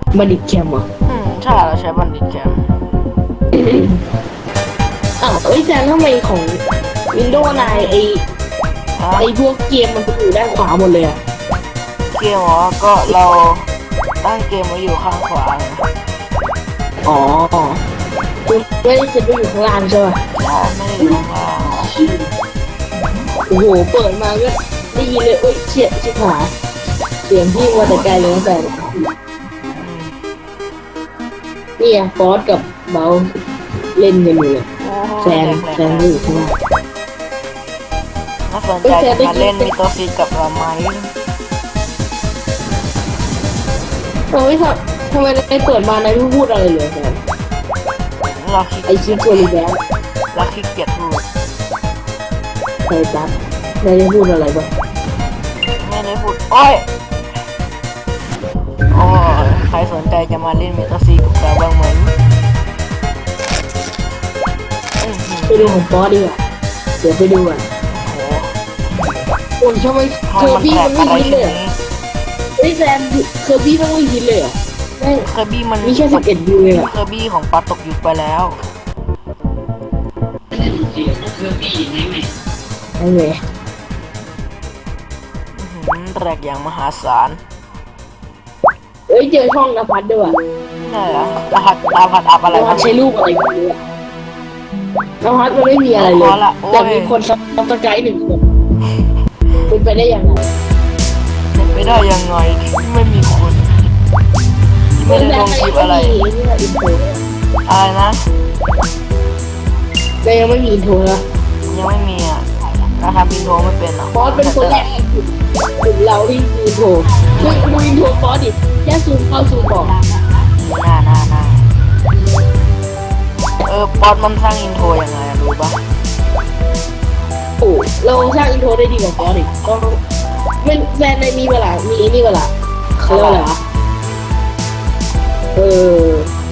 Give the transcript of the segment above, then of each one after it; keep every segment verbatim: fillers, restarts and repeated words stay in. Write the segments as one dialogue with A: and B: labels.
A: บัณฑิตแคมป์เหรอ
B: อืมใช่เราใช้บัณฑิตแคมป์
A: อ้าวเอ้ยแต่ทำไมของ Windows นายไอไอพวกเกมมันก็อยู่ด้านขวาหมดเลยอะ
B: เกมอ๋อก็เราตั้งเกมไว้อยู่ข้างขวาไง
A: อ๋อคุณไม่ได้เซ็ตไปอยู่ข้างล่างใช่ป่ะ
B: ใช่ไม่ได้อยู่ข้างล่าง
A: โอ้โหเปิดมาก็ได้ยินเลยเอ้ยเฉียดชิบหายเสียงพี่มาแต่ไกลเลยตั้งแต่นี่อะฟอสกับเบลเล่นกันอยู่เลยแฟนแฟนอยู่ข้างล่าง
B: น่าสนใจจะมาเล่นมิโตซีกับเราไหม
A: โอ้ยทำทำไมในเปิดมาในไม่พูดอะไรเลยแฟน
B: เราคิด
A: ไอชิปโซลิแบน
B: เราคิดเกียจพูด
A: ใครจัดนายจะพูดอะไรบ้าง
B: ไม่ได้พูดโอ้ยโอ้ใครสนใจจะมาเล่นมิโตซีกับเราบ้างไหม
A: ไปดูของฟอสดีกว่าเดี๋ยวไปดูอ่ะโอ้ยทำไมเคอร์บี้มันไม่ฮิตเลยไอ้แซมเคอร์บี้มันไม่ฮิตเลยอ่ะ
B: เคอร์บี้มัน
A: มีแค่สิบเอ็ดวิวเองอ่ะ
B: เคอร์บี้ของปาตกยุคไปแล้ว
A: ไอ้เว้ย
B: แรกอย่างมหาศาล
A: เอ้ยเจอช่องนภัสด้วย
B: นี่เหรอรหัสนภัสอัพอะไร
A: นภัสใช้รูปอะไรกันด้วยนภัสมันไม่มีอะไรเลยแต่มีคนซับสไครต์หนึ่งคนเป็นไปได้ยังไง
B: เป็นไปได้ยังไงที่ไม่มีคนที่ไม่ได้ลงคลิปอะไรอะไรนะ
A: แต่ยังไม่มีอินโทรนะ
B: ยังไม่มีอ่ะเราทำอินโทรไม่เป็นหรอก
A: ฟอสเป็นคนแรกกลุ่มเราที่มีอินโทรคุยคุยอินโทรฟอสดิแค่ซูมเข้าซูมบอก
B: หน้าหน้าหน้าเออฟอสมันสร้างอินโทรยังไงรู้ปะ
A: โอ้เราสร้างอินโทรได้ดีกว่าฟอสอีกต้องเป็นแฟนในมีเวลามีนี่เวลาเขาเรียกว่าอะไรวะเออ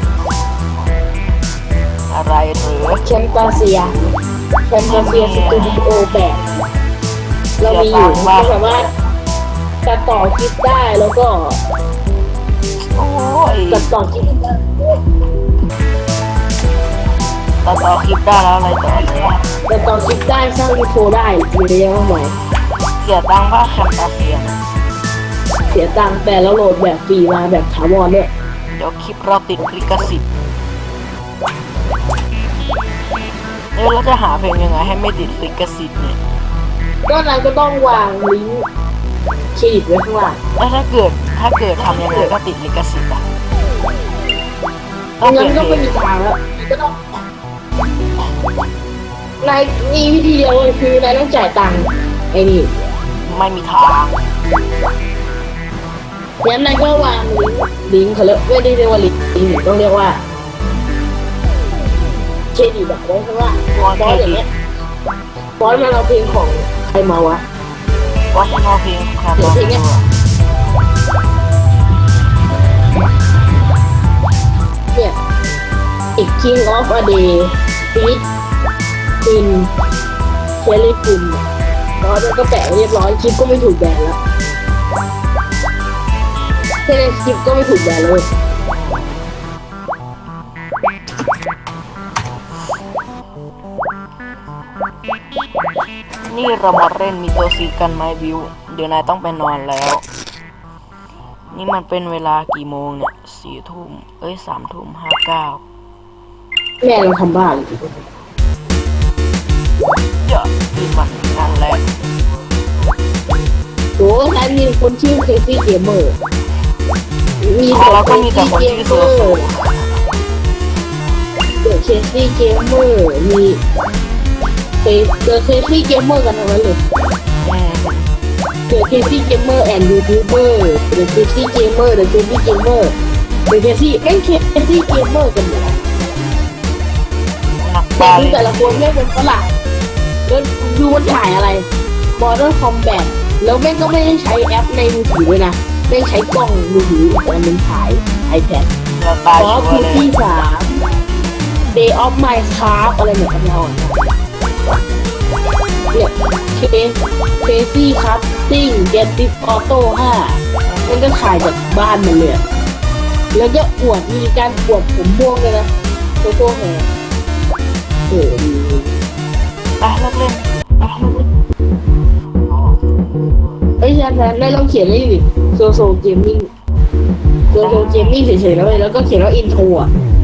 B: อะไรหรือ
A: แคมปาเซียแคมปาเซียสตูดิโอแปดเรามีอยู่ก็สามารถตัดต่อคลิปได้แล้วก็
B: โอ้ย
A: ตัดต่อคลิปได้
B: ตัดต่อคลิปได้แล้วอะไรต่อเนี่ย
A: ตัดต่อคลิปได้สร้างอินโฟได้มีระยะเท่าไหร่
B: เสียตังค์ว่าแคมปาเซีย
A: เสียตังค์แต่แล้วโหลดแบบฟรีมาแบบถาวรด้วย
B: เดี๋ยวคลิปเราติดลิขสิทธิ์เออเราจะหาเพลงยังไงให้ไม่ติดลิขสิทธิ์เนี่ย
A: ก็นั้นก็ต้องวางลิงก์เครดิตไว้ข้างล่าง
B: แล้วถ้าเกิดถ้าเกิดทำยังไงก็ติดลิขสิทธิ์อ่ะ
A: งั้นก็ไม่มีทางแล้วก็ต้องนายมีวิธีเดียวเลยคือนายต้องจ่ายตังค์ไอ้นี่
B: ไม่มีทาง
A: งั้นนายก็วางลิงก์ลิงก์เขาเรียกไม่ได้เรียกว่าลิงก์ต้องเรียกว่าเครดิตแบบไว้ข้างล่างฟอนต์อย่างเงี้ยฟอนต์มันเอาเพลงของใครมาวะ
B: ว่าที่เอาเพลงใครมาเนี่ย
A: เนี่ยอีก King of a Day Feat In Kelly Kim แล้วก็แปะเรียบร้อยคลิปก็ไม่ถูกแบนแล้วแค่ในคลิปก็ไม่ถูกแบนเลย
B: นี่เรามาเล่นมิโตซีกันไหมวิวเดี๋ยวนายต้องไปนอนแล้วนี่มันเป็นเวลากี่โมงเนี่ยสี่ทุ่มเอ้ยสามทุ่มห้าเก้า
A: แม่เราทำบ้าเลย
B: เยอะที่มันงานแรก
A: โอ้ใครมีคนชื่อเคซี่เกมเมอร์
B: มีแต่เราก็มีแต่คนชื่อเซอร์
A: เดี๋ยวเคซี่เกมเมอร์มีเคเจอเคซี่เกมเมอร์กันทั้งนั้นเลยเจอเคซี่เกมเมอร์แอนด์ยูทูบเบอร์เจอเคซี่เกมเมอร์เจอเคซี่เกมเมอร์เจอเคซี่เอ็นเคซี่เกมเมอร์กันหมดแต่ดูแต่ละคนแม่งเป็นฝรั่งแล้วดูมันถ่ายอะไร Mortal Kombat แล้วแม่งก็ไม่ได้ใช้แอปในมือถือด้วยนะแม่งใช้กล้องมือถืออีกอันนึงถ่าย iPad
B: ขอ
A: พื้นที่สาม Day of Minecraft อะไรเหมือนกันเราเนี่ยเคเคซี่ครับติ้งเกตติฟออโต้ห้ามันก็ถ่ายจากบ้านมันเลยแล้วก็อวดมีการอวดผมม่วงเลยนะโซโซแฮร์เออ
B: ไปเลิกเล่นไปเลิกเล่น
A: เอ้ยอาจารย์ได้ลองเขียนเลยดิโซโซเกมมิ่งโซโซเกมมิ่งเฉยๆแล้วเลยแล้วก็เขียนว่าอินโทรอ่ะ